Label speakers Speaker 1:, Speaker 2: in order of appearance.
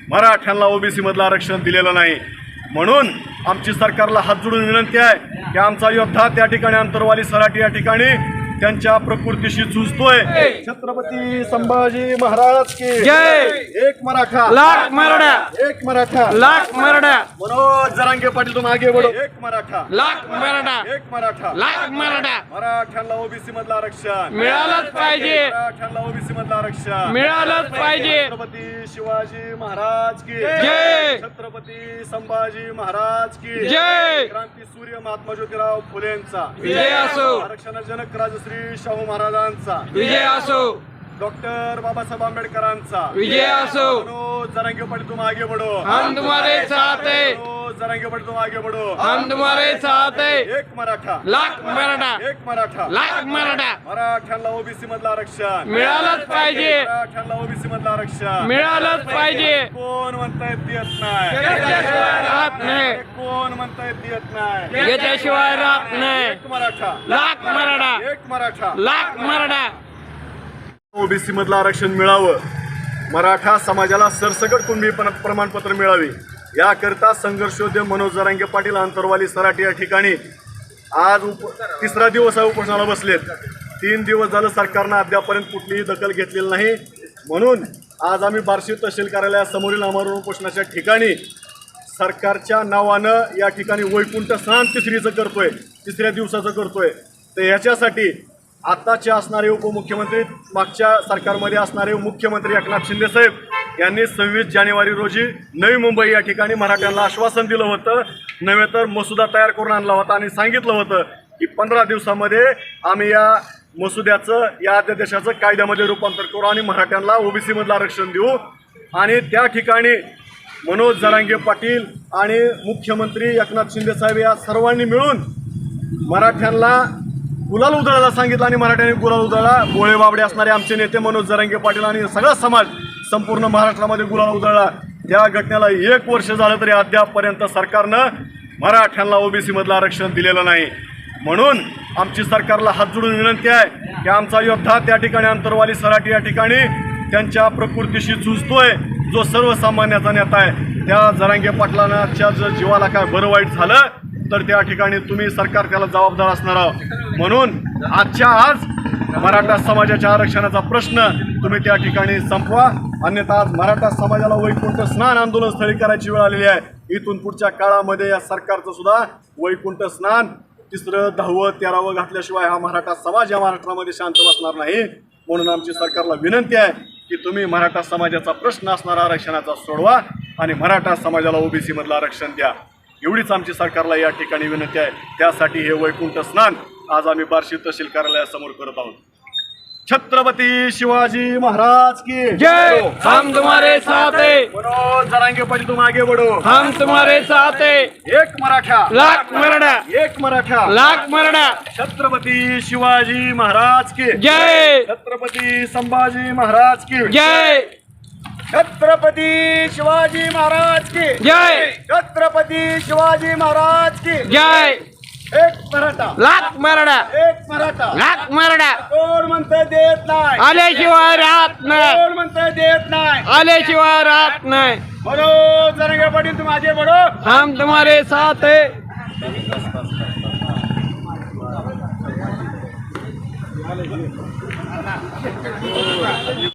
Speaker 1: मराठ्यांना ओबीसी मधलं आरक्षण दिलेलं नाही। म्हणून आमची सरकारला हात जोडून विनंती आहे की आमचा योद्धा त्या ठिकाणी अंतरवाली सराटी या ठिकाणी त्यांच्या प्रकृतीशी झुजतोय। छत्रपती संभाजी महाराज की
Speaker 2: जय।
Speaker 1: एक मराठा
Speaker 2: लाख मराठा,
Speaker 1: एक मराठा
Speaker 2: लाख मराठा,
Speaker 1: मनोज जरांगे पाटील तुम आगे बढ़ो। एक मराठा
Speaker 2: लाख मराठा,
Speaker 1: एक मराठा
Speaker 2: लाख मराठा
Speaker 1: मराठ्यांना ओबीसी मधलं आरक्षण
Speaker 2: मिळालंच पाहिजे,
Speaker 1: मराठ्यांना ओबीसी मधलं आरक्षण
Speaker 2: मिळालंच पाहिजे।
Speaker 1: छत्रपती शिवाजी महाराज की
Speaker 2: जय।
Speaker 1: छत्रपती संभाजी महाराज की
Speaker 2: जय।
Speaker 1: क्रांती सूर्य महात्मा ज्योतिराव फुलेंचा
Speaker 2: विजय असो,
Speaker 1: आरक्षणजनक राजश्री शाहू महाराजांचा
Speaker 2: विजय असो,
Speaker 1: डॉक्टर बाबासाहेब आंबेडकरांचा
Speaker 2: विजय असो।
Speaker 1: मनोज जरांगे पाटील तुम आगे बढ़ो।
Speaker 2: हम तुम्हारे साथ हैं,
Speaker 1: मनोज जरांगे पाटील तुम आगे बढ़ो।
Speaker 2: हम तुम्हारे साथ हैं।
Speaker 1: एक मराठा
Speaker 2: लाख मराठा,
Speaker 1: एक मराठा
Speaker 2: लाख मराठा
Speaker 1: मराठ्यांना ओबीसी मधलं आरक्षण
Speaker 2: मिळालंच पाहिजे,
Speaker 1: मराठ्यांना ओबीसी मधलं आरक्षण
Speaker 2: मिळालंच पाहिजे।
Speaker 1: कोण म्हणतायत देत नाही,
Speaker 2: याच्याशिवाय राहत नाही,
Speaker 1: कोण म्हणतायत देत नाही।
Speaker 2: याच्याशिवाय राहत नाही।
Speaker 1: एक मराठा
Speaker 2: लाख मराठा,
Speaker 1: एक मराठा
Speaker 2: लाख मराठा
Speaker 1: ओबीसी मधलं आरक्षण मिळावं, मराठा समाजाला सरसकट कुणबी प्रमाणपत्र मिळावे याकरता संघर्षोद्यम मनोज जरांगे पाटील अंतरवाली सराटी या ठिकाणी आज तिसरा दिवस उपोषणाला बसलेत। 3 दिवस झालं सरकारनं अद्यापर्यंत कुठलीही दखल घेतलेली नाही। म्हणून आज आम्ही बार्शी तहसील कार्यालयासमोरील आमरण उपोषणाच्या ठिकाणी सरकारच्या नावानं या ठिकाणी वैकुंठ स्नान तिसऱ्या दिवसाचं करतोय। तर याच्यासाठी आताचे असणारे उपमुख्यमंत्री, मागच्या सरकारमध्ये असणारे मुख्यमंत्री एकनाथ शिंदे साहेब यांनी 26 जानेवारी रोजी नवी मुंबई या ठिकाणी मराठ्यांना आश्वासन दिलं होतं, नव्हे तर मसुदा तयार करून आणला होता आणि सांगितलं होतं की 15 दिवसामध्ये आम्ही या मसुद्याचं, या अध्यादेशाचं कायद्यामध्ये रूपांतर करू आणि मराठ्यांना ओबीसी मधलं आरक्षण देऊ। आणि त्या ठिकाणी मनोज जरांगे पाटील आणि मुख्यमंत्री एकनाथ शिंदे साहेब या सर्वांनी मिळून मराठ्यांना गुलाल उधळायला सांगितलं आणि मराठ्यांनी गुलाल उधळला। गोळे बाबडे असणारे आमचे नेते मनोज जरांगे पाटील आणि सगळा समाज संपूर्ण महाराष्ट्रामध्ये गुलाल उधळला। त्या घटनेला 1 वर्ष झालं तरी अद्यापपर्यंत सरकारनं मराठ्यांना ओबीसी मधलं आरक्षण दिलेलं नाही। म्हणून आमची सरकारला हात जोडून विनंती आहे की आमचा योद्धा त्या ठिकाणी अंतरवाली सराटी या ठिकाणी त्यांच्या प्रकृतीशी झुजतोय, जो सर्वसामान्याचा नेता आहे। त्या जरांगे पाटलांच्या जर जीवाला काय बरं वाईट झालं तर त्या ठिकाणी तुम्ही सरकार त्याला जबाबदार असणार आहोत। म्हणून आजच्या आज मराठा समाजाच्या आरक्षणाचा प्रश्न तुम्ही त्या ठिकाणी संपवा, अन्यथा आज मराठा समाजाला वैकुंठ स्नान आंदोलन स्थळी करायची वेळ आलेली आहे। इथून पुढच्या काळामध्ये या सरकारचं सुद्धा वैकुंठ स्नान 3रं 10वं 13वं घातल्याशिवाय हा मराठा समाज या महाराष्ट्रामध्ये शांत बसणार नाही। म्हणून आमची सरकारला विनंती आहे की तुम्ही मराठा समाजाचा प्रश्न असणारा आरक्षणाचा सोडवा आणि मराठा समाजाला ओबीसी मधलं आरक्षण द्या, एवढीच आमची सरकारला या ठिकाणी विनंती आहे। त्यासाठी हे वैकुंठ स्नान आज आम्ही बार्शी तहसील कार्यालयासमोर करत आहोत। छत्रपती शिवाजी महाराज की
Speaker 2: जय। हम तुम्हारे साथ हैं,
Speaker 1: मनोज जरांगे पाटील तुम आगे बढ़ो।
Speaker 2: हम तुम्हारे साथ हैं।
Speaker 1: एक मराठा
Speaker 2: लाख मराठा,
Speaker 1: एक मराठा
Speaker 2: लाख मराठा
Speaker 1: छत्रपती शिवाजी महाराज की
Speaker 2: जय।
Speaker 1: छत्रपती संभाजी महाराज की
Speaker 2: जय।
Speaker 1: छत्रपती शिवाजी महाराज की
Speaker 2: जय।
Speaker 1: छत्रपती शिवाजी महाराज की
Speaker 2: जय।
Speaker 1: एक मराठा
Speaker 2: लाख मराठा,
Speaker 1: एक मराठा
Speaker 2: लाख मराठा
Speaker 1: कोण म्हणतंय देत नाही,
Speaker 2: आल्याशिवाय राहत नाही,
Speaker 1: कोण म्हणतंय देत नाही,
Speaker 2: आल्याशिवाय राहत नाही।
Speaker 1: मनोज जरांगे पाटील तुम आगे बढ़ो।
Speaker 2: हम तुम्हारे साथ हैं।